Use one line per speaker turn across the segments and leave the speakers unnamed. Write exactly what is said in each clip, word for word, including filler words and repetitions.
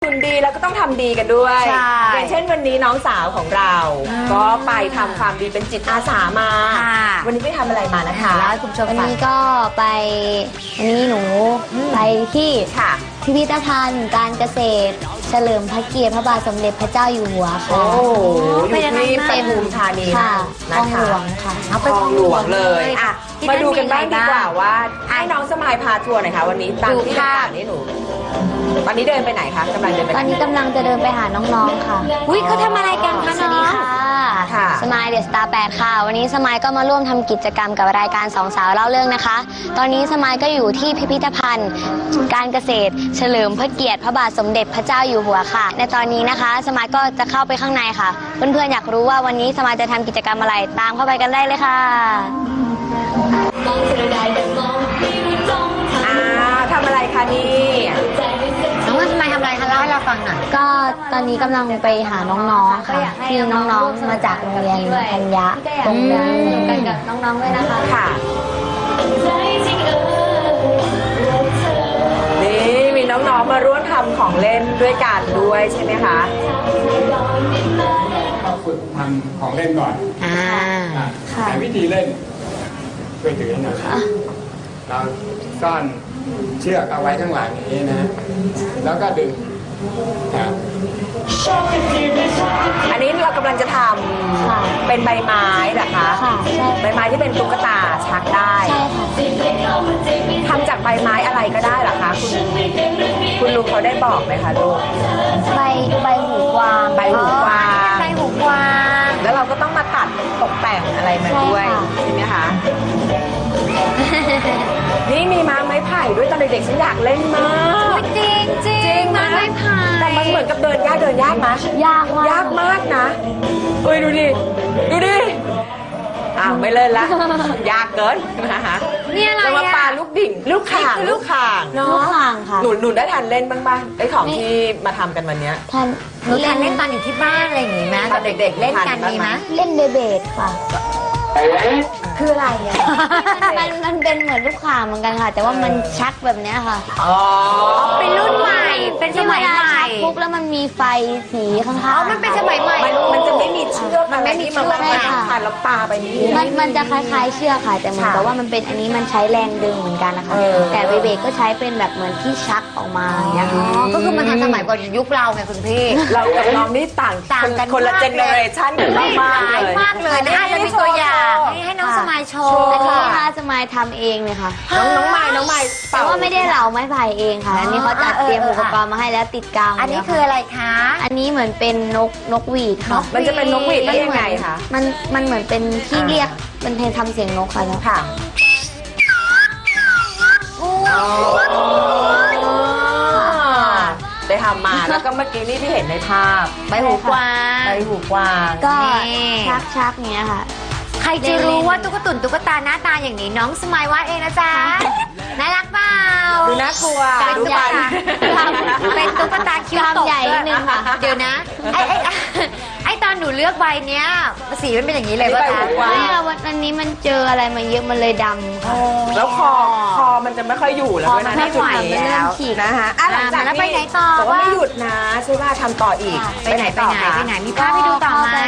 หุ่นดีแล้วก็ต้องทำดีกันด้วยอย่างเช่นวันนี้น้องสาวของเราก็ไปทำความดีเป็นจิตอาสามาวันนี้ไปทำอะไรมานะคะ
แล้วคุณผู้ชม
วันนี้ก็ไปวันนี้หนูไปที่พิพิธภัณฑ์การเกษตรเฉลิมพระเกียรติพระบาทสมเด็จพระเจ้าอยู่หัวค่ะ
โอ้โหอยู่ที่ปทุมธานี
ค่ะคลองหลวงค่ะ
เอาไปคลองหลวงเลยอ่ะมาดูกันบ้างดีกว่าว่าให้น้องสมายพาทัวร์หน่อยค่ะวันนี้ตามที่ต่างๆนี่หนูวันนี้เดินไปไหนคะกำลังเดินไป
ตอนนี้กำลังจะเดินไปหาน้องๆค่ะ
อุ้ยเขาทำอะไรกันคะ
สวัสดีค่ะสมายเดอะสตาร์แปดค่ะวันนี้สมายก็มาร่วมทำกิจกรรมกับรายการสองสาวเล่าเรื่องนะคะตอนนี้สมายก็อยู่ที่พิพิธภัณฑ์การเกษตรเฉลิมพระเกียรติพระบาทสมเด็จพระเจ้าอยู่หัวค่ะในตอนนี้นะคะสมายก็จะเข้าไปข้างในค่ะเพื่อนๆอยากรู้ว่าวันนี้สมายจะทำกิจกรรมอะไรตามเข้าไปกันได้เลยค่ะ
อ่าทำอะไรคะนี่
น้องว่าสมายทำอะไรคะเล่าให้เราฟังหน่อย
ก็ตอนนี้กำลังไปหาน้องๆค่ะที่น้องๆมาจากโรงเรียนธัญญะตรงนี้กันกับน้องๆด้วยนะคะ
ค่ะนี่มีน้องๆมาร่วมทำของเล่นด้วยกันด้วยใช่ไหมคะ
ก็ฝึกทำของเล่นก่อน
อ่า
แต่วิธีเล่นช่วยถือหน่อยเราซ่อนเชือกเอาไว้ข้างหลังอย่างนี้นะแล้วก็ดึงครับ
อันนี้เรากำลังจะทำเป็นใบไม้เหรอคะ
ค่ะใช่
ใบไม้ที่เป็นตุ๊กตาชักได้
ใช่ค่ะ
ทำจากใบไม้อะไรก็ได้เหรอคะคุณคุณลุงเขาได้บอกไหมคะลูก
ใบใบหูกวาง
ใบหูกวาง
ใบหูกวาง
แล้วเราก็ต้องมาตัดตกแต่งอะไรมาด้วยใช่ไหมคะนี่มีม้าไม้ไผ่ด้วยตอนเด็กๆฉันอยากเล่นมาก
จริงจริงม้าไม้ไผ่
แต่มันเหมือนกับเดินยากเดินยากนะ
ยากมาก
ยากมากนะเอ้ยดูดิดูดิอ้าวไม่เล่นละยากเกินนะคะ
นี่อะไร
จะมาปาลูกดิ่งลูกข่างลูกข่าง
ลูกข่างค่ะ
หนูหนูได้ทันเล่นบ้างป่ะไอ้ของที่มาทำกันวันนี้
ทัน
หนูทันเล่นตอนอยู่ที่บ้านอะไรอย่างงี้ไหม
ตอนเด็กๆ
เล่นกันมีไหม
เล่นเบเบดค่ะ
คืออะไรอ่ะ
มันมันเป็นเหมือนลูกข่างเหมือนกันค่ะแต่ว่ามันชักแบบนี้ค่ะ
อ๋อ
เป็นรุ่นใหม่เป็นสมัยใหม่
ปุ๊บแล้วมันมีไฟสีข้างๆ
อ๋อมันเป็นสมัยใหม่
มันจะไม่มีเชือก
มันไม่มีเชือก
ค่ะแล้วปาไปนี่
มันมันจะคล้ายๆเชือกค่ะแต่เหมือนกับว่ามันเป็นอันนี้มันใช้แรงดึงเหมือนกันนะคะแต่เบเบดก็ใช้เป็นแบบเหมือนที่ชักออกมาอย่างเงี้ย
ก็คือมันทันสมัยกว่ายุคเราไงคุณพี่
เรากับน้องนี่ต่าง
ต่างกัน
คนละเจเนอเรชันกันมากเลย
มากเลยน่าจะมีตัวอย่างให้น้องสมายโชว์
อันนี้ค่ะสมายทำเองเลยค่ะ
น้องน้องไม้น้องไม้
แต่ว่าไม่ได้เหลาไม้ไผ่เองค่ะอันนี้เขาจัดเตรียมอุปกรณ์มาให้แล้วติดกาว
อันนี้คืออะไรคะ
อันนี้เหมือนเป็นนกนกหวีดค่ะ
มันจะเป็นนกหวีดได้ยังไงคะ
มันมันเหมือนเป็นที่เรียกเป็นเพลงทำเสียงนกค่ะแล้ว
ค่ะได้ทำมาแล้วก็เมื่อกี้นี่ที่เห็นในภาพ
ใบหูกวาง
ใบหูกวาง
ก็ชักชักเนี้ยค่ะ
ใครจะรู้ว่าตุ๊กตุ่นตุ๊กตาหน้าตาอย่างนี้น้องสมัยวาดเองนะจ๊ะน่ารักเปล่า
ดูน่ากลัว
ดูใหญ่เป็นตุ๊กตาคิ้วตก
ใหญ่นิดนึงค่ะ
เดี๋ยวนะไอ้ไอ้ไอ้ตอนหนูเลือกใบเนี้ยสีมันเป็นอย่างนี้เลยป่ะคะ
วันนี้มันเจออะไรมาเยอะมันเลยดำค่ะ
แล้วคอคอมันจะไม่ค่อยอยู่แล้วนะที่จุดนี้แล้วนะคะหลังจาก
ไปไหนต่อ
บอกว่าไม่หยุดนะใช่ว่าทำต่ออีก
ไปไหนไปไหนไปไหนมีภาพให้ดูต่อไหม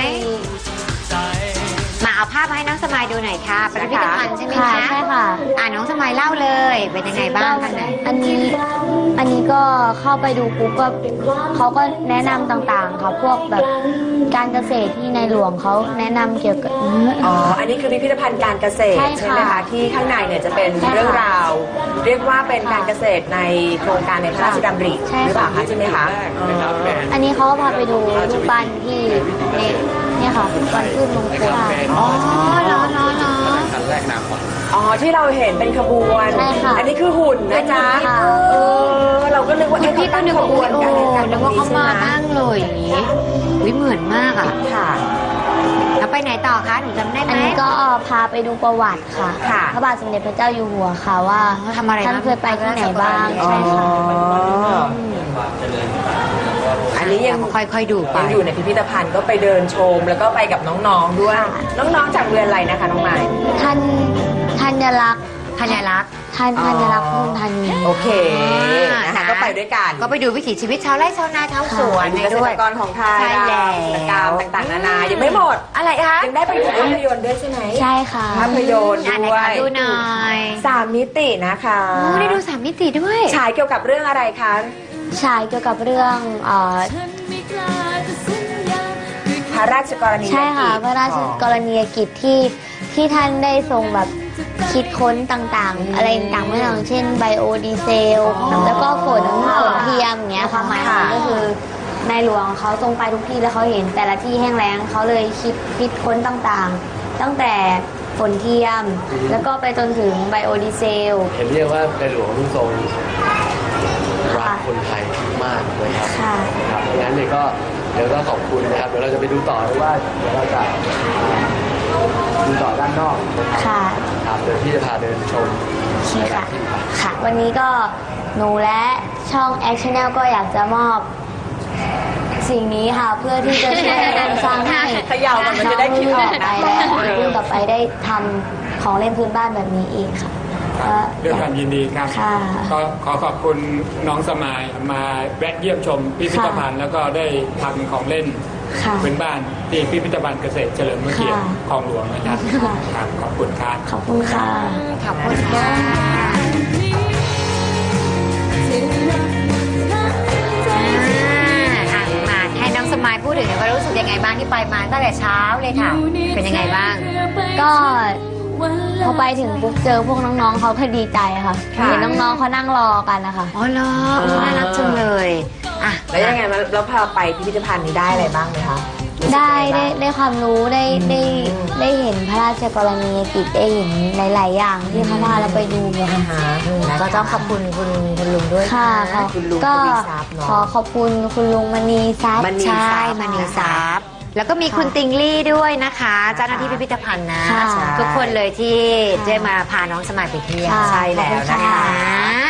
มาเอาภาพมาให้น้องสมายดูหน่อยค่ะเป็นพิพิธภัณฑ์ใช่ไหมคะ
ใช่ค่ะ
อ่าน้องสมายเล่าเลยเป็นยังไงบ้างคะไหน
อันนี้อันนี้ก็เข้าไปดูปุ๊บก็เขาก็แนะนำต่างๆค่ะพวกแบบการเกษตรที่ในหลวงเขาแนะนำเกี่ยวกับ
อ๋ออันนี้คือพิพิธภัณฑ์การเกษตรใช่ไหมคะที่ข้างในเนี่ยจะเป็นเรื่องราวเรียกว่าเป็นการเกษตรในโครงการในพระราชดำริหรือเปล่าคะใช่ไหมคะ
อันนี้เขาพาไปดูรูปปั้นที่เนี่ยค่ะวันขึ้นมงคล
อ๋อ
เนาะเนาะเนาะ
อ๋อที่เราเห็นเป็นขบวนอันนี้คือหุ่นนะจ๊ะเออเราก็นึกว่า
พี่ก็นึกว่าขบวนกันนึกว่าเขามานั่งเลยอย่างนี้วิเหมือนมากอ่ะ
ค่ะ
แล้วไปไหนต่อคะหนูจำได้ไหม
อันนี้ก็พาไปดูประวัติค่ะพระบาทสมเด็จพระเจ้าอยู่หัวค่ะว่า
ทำอะไร
ท่านเคยไปที่ไหนบ้างใช่ค่ะ
อันนี้ยัง
ค่อยๆดูไป
ยังอยู่ในพิพิธภัณฑ์ก็ไปเดินชมแล้วก็ไปกับน้องๆด้วยน้องๆจากเรียนอะไรนะคะน้องไม้
ท่านธัญลักษณ์
ธ
ธัญรักษ์
ท่านธัญรักษ์พุ่มธัญญา
โอเคนะคะก็ไปด้วยกัน
ก็ไปดูวิถีชีวิตชาวไร่ชาวนาชาวสวน
เกษ
ด้
ต
ว
ร
ย
กรของไทย
ใช่แล้ว
กิจกรรมต่างๆนานายังไม่หมด
อะไรคะ
ยังได้ไปดูภาพยนตร์ด้วยใช่ไหม
ใช่ค่ะ
ภาพยนตร์
อ่านไหน
ด้ว
คะ
ย
ดูหน่อย
สามมิตินะคะ
โอ้ได้ดูสามมิติด้วย
ฉายเกี่ยวกับเรื่องอะไรคะ
ฉายเกี่ยวกับเรื่องเอ่อ
พระราชกรณียกิจ
ใช่ค่ะพระราชกรณียกิจที่ที่ท่านได้ทรงแบบคิดค้นต่างๆ อะไรต่างๆไม่อย่างเช่นไบโอดีเซล แล้วก็ฝนฝนเทียมอย่างเงี้ยความหมายของมันก็คือในหลวงเขาทรงไปทุกที่แล้วเขาเห็นแต่ละที่แห้งแล้งเขาเลยคิดคิดค้นต่างๆ ตั้งแต่ฝนเทียม แล้วก็ไปจนถึงไบโอดีเซล
เห็นเรียกว่าในหลวงทุกทรงรักคนไทยมากเลยครับ
ค่ะ
ครับงั้นเนี่ยก็เดี๋ยวก็ขอบคุณนะครับเดี๋ยวเราจะไปดูต่อด้วยว่าเดี๋ยวเราจะดูต่อด้านนอกนะครับ
ค่ะ
ครับเดี๋ยวพี่จะพาเดินชม
ค่ะ ค่ะ วันนี้ก็หนูและช่อง Action Channel ก็อยากจะมอบสิ่งนี้ค่ะ เพื่อที่จะช่วยกันสร้างให้
เขย่าก่อนมันจะได้คิดออก
ไปและรุ่นต่อไปได้ทำของเล่นพื้นบ้านแบบนี้อีกค่ะ
ครับด้วยความยินดีครับ
ค่ะ
ก็ขอขอบคุณน้องสมายมาแวะเยี่ยมชมพิพิธภัณฑ์ แล้วก็ได้ทำของเล่น
ค่ะ
พื้นบ้านที่พิพิธภัณฑ์เกษตรเฉลิมพระเกียรติ
ค่ะ
คลองหลวงนะครับ
ค่ะ
ครับขอบคุณครับ
ขอบคุณค่ะ
ขอบคุณค่ะอ่ามาให้น้องสมายพูดถึงหน่อยว่ารู้สึกยังไงบ้างที่ไปมาตั้งแต่เช้าเลยค่ะ เป็นยังไงบ้าง
ก็พอไปถึงปุ๊บเจอพวกน้องๆเขาก็ดีใจค่ะ
ค่ะ
เห็นน้องๆเขานั่งรอกันนะคะ
อ๋อเหรอน่ารักจังเลยอ่ะ
แล้วยังไงมาแล้วพอไปพิพิธภัณฑ์นี้ได้อะไรบ้างไหมคะ
ได้ได้ได้ความรู้ได้ได้
อืม
ได้เห็นพระราชกรณียกิจได้เห็นหลาย ๆ อย่างที่เขาพาเราไปดูเนี่ย
อ่า
ค่ะ
ฮะนะคะ
ก็ต้องขอบคุณคุณคุณลุงด้วย
ค่ะ
นะ
คุณลุง
ก็
ทวีทรัพย์เนอะ
ขอขอบคุณคุณลุงมณีทรัพย์
มณี
ใช่
ทรัพย์
มณีทรัพย์แล้วก็มีคุณติงลี่ด้วยนะคะ เจ้าหน้าที่พิพิธภัณฑ์นะ
ค่ะ
ทุกคนเลยที่ได้มาพาน้องสมายไปเที่ยว
ค่ะ
ใช่แล้ว
ขอบคุณ
นะคะ
ค่ะ